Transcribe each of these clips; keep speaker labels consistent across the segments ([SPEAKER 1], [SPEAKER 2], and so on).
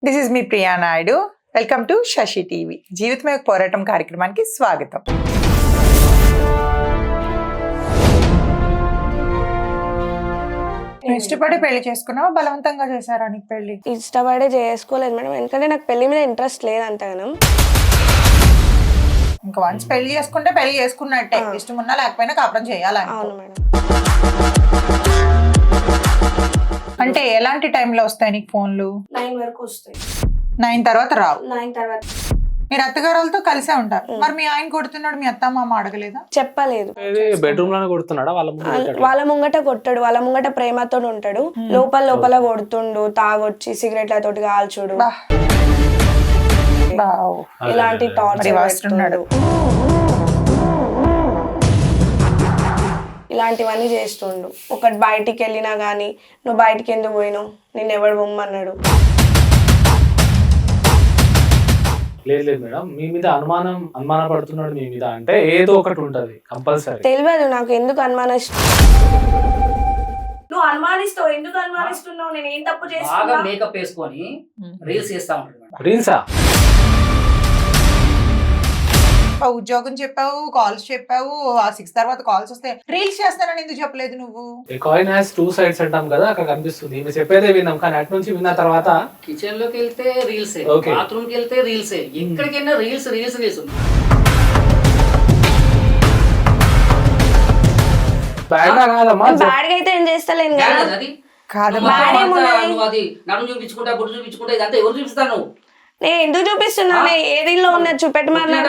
[SPEAKER 1] This is me Priya Naidu. Welcome to Shashi TV. జీవితమే ఒక పోరాటం కార్యక్రమానికి స్వాగతం. నువ్వు ఇష్టపడి పెళ్లి చేసుకున్నావా, బలవంతంగా చేశారా నీకు పెళ్లి?
[SPEAKER 2] ఇష్టపడే చేసుకోలేదు మేడం, ఎందుకంటే నాకు పెళ్లి మీద ఇంట్రెస్ట్ లేదు అంతగానం.
[SPEAKER 1] ఇంకా వన్స్ పెళ్లి చేసుకుంటే పెళ్లి చేసుకున్నట్టే, ఇష్టం ఉన్నా లేకపోయినా కాపురం చేయాలి.
[SPEAKER 2] అవును మేడం.
[SPEAKER 1] అంటే ఎలాంటి టైంలో వస్తాయి నీకు ఫోన్లు?
[SPEAKER 2] 9 వరకు వస్తాయి.
[SPEAKER 1] 9 తర్వాత రావు.
[SPEAKER 2] 9 తర్వాత
[SPEAKER 1] మీరు అత్తగారులతో కలిసే ఉంటారు. మరి మీ ఆయన కొడుతున్నాడు, మీ అత్త మామ అడగలేదా?
[SPEAKER 2] చెప్పలేదు.
[SPEAKER 3] బెడ్రూమ్ లోనే కొడుతున్నాడా?
[SPEAKER 2] వాళ్ళ ముంగట కొట్టాడు, వాళ్ళ ముంగట ప్రేమతో ఉంటాడు, లోపల లోపల కొడుతుండు, తాగొచ్చి సిగరెట్లతోటి కాల్చుడు, ఇలాంటి టార్చర్, ఇలాంటివన్నీ చేస్తుండు. ఒకటి బయటికి వెళ్ళినా గానీ నువ్వు బయటికి ఎందుకు పోయినావు, నేను ఎవడు బొమ్మన్నాడు.
[SPEAKER 3] లేదు లేదు మేడం, మీ మీద అనుమాన పడుతున్నాడు మీ మీద అంటే ఏదో ఒకటి ఉంటది కంపల్సరీ.
[SPEAKER 2] తెలియదు నాకు ఎందుకు నువ్వు అనుమానిస్తావు, ఎందుకు అనుమానిస్తున్నావు, నేను ఏం తప్పు చేస్తున్నా?
[SPEAKER 4] మేకప్ వేసుకొని రీల్స్ చేస్తా ఉంటాడు.
[SPEAKER 3] రీల్సా?
[SPEAKER 1] ఉద్యోగం చెప్పావు, కాల్స్ చెప్పావు, ఆ 6 తర్వాత కాల్స్ వస్తే రీల్స్ చేస్తానని ఎందుకు చెప్పలేదు నువ్వు?
[SPEAKER 3] కాయిన్ హ్యాస్ 2 sides అంటాం కదా, అక్కడ కనిపిస్తుంది. మేము చెప్పేదే విన్నాం, కానీ అటు నుంచి విన్న తర్వాత
[SPEAKER 4] కిచెన్ లోకి వెళ్తే రీల్స్,
[SPEAKER 3] Okay.
[SPEAKER 4] బాత్రూమ్ కి వెళ్తే రీల్స్, ఎక్కడికైనా రీల్స్ రీల్స్ రీల్స్.
[SPEAKER 3] బ్యాడ్ గా కాదమ్మా,
[SPEAKER 2] బ్యాడ్ గా అయితే ఏం చేస్తలేను కదా.
[SPEAKER 4] అది
[SPEAKER 1] కాదమ్మా.
[SPEAKER 4] నువ్వు అది నడుము చూపించుకుంటా, గుడ్డు చూపించుకుంటా, ఇదంతా ఎవరు చూపిస్తాను?
[SPEAKER 2] నేను ఎందుకు చూపిస్తున్నాను? ఏ రీల్ లో ఉన్నది చూపెట్టమన్నాడు.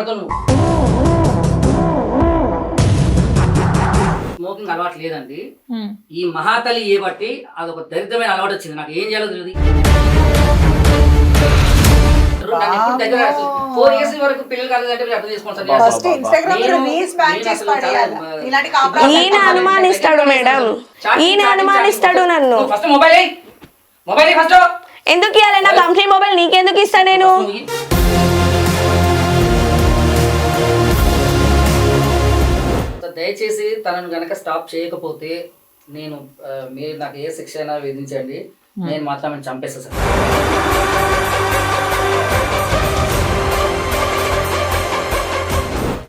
[SPEAKER 4] స్మోకింగ్ అలవాటు లేదండి. ఈ మహాతలి ఏ బట్టి అదొక దరిద్రమైన అలవాటు వచ్చింది. నాకు ఏం చేయాలో తెలియదు. 4 years వరకు పిల్లలు కాలేదంటే మీరు అర్థం
[SPEAKER 1] ఫస్ట్ ఇన్స్టాగ్రామ్ లో రీల్స్ బ్యాన్ చేసి పడేయాలి. ఇలాంటి కాపురాలు
[SPEAKER 2] ఈయన అనుమానిస్తాడు మేడం, ఈయన అనుమానిస్తాడు నన్ను.
[SPEAKER 4] ఫస్ట్ మొబైల్ ఫస్ట్
[SPEAKER 2] ఎందుకు ఇవ్వాలి? నా కంపెనీ మొబైల్ నీకెందుకు ఇస్తా నేను?
[SPEAKER 4] దయచేసి తనను గనక స్టాప్ చేయకపోతే నేను మీరు నాకు ఏ శిక్ష అయినా విధించండి, నేను మాత్రం చంపేస్తా సార్.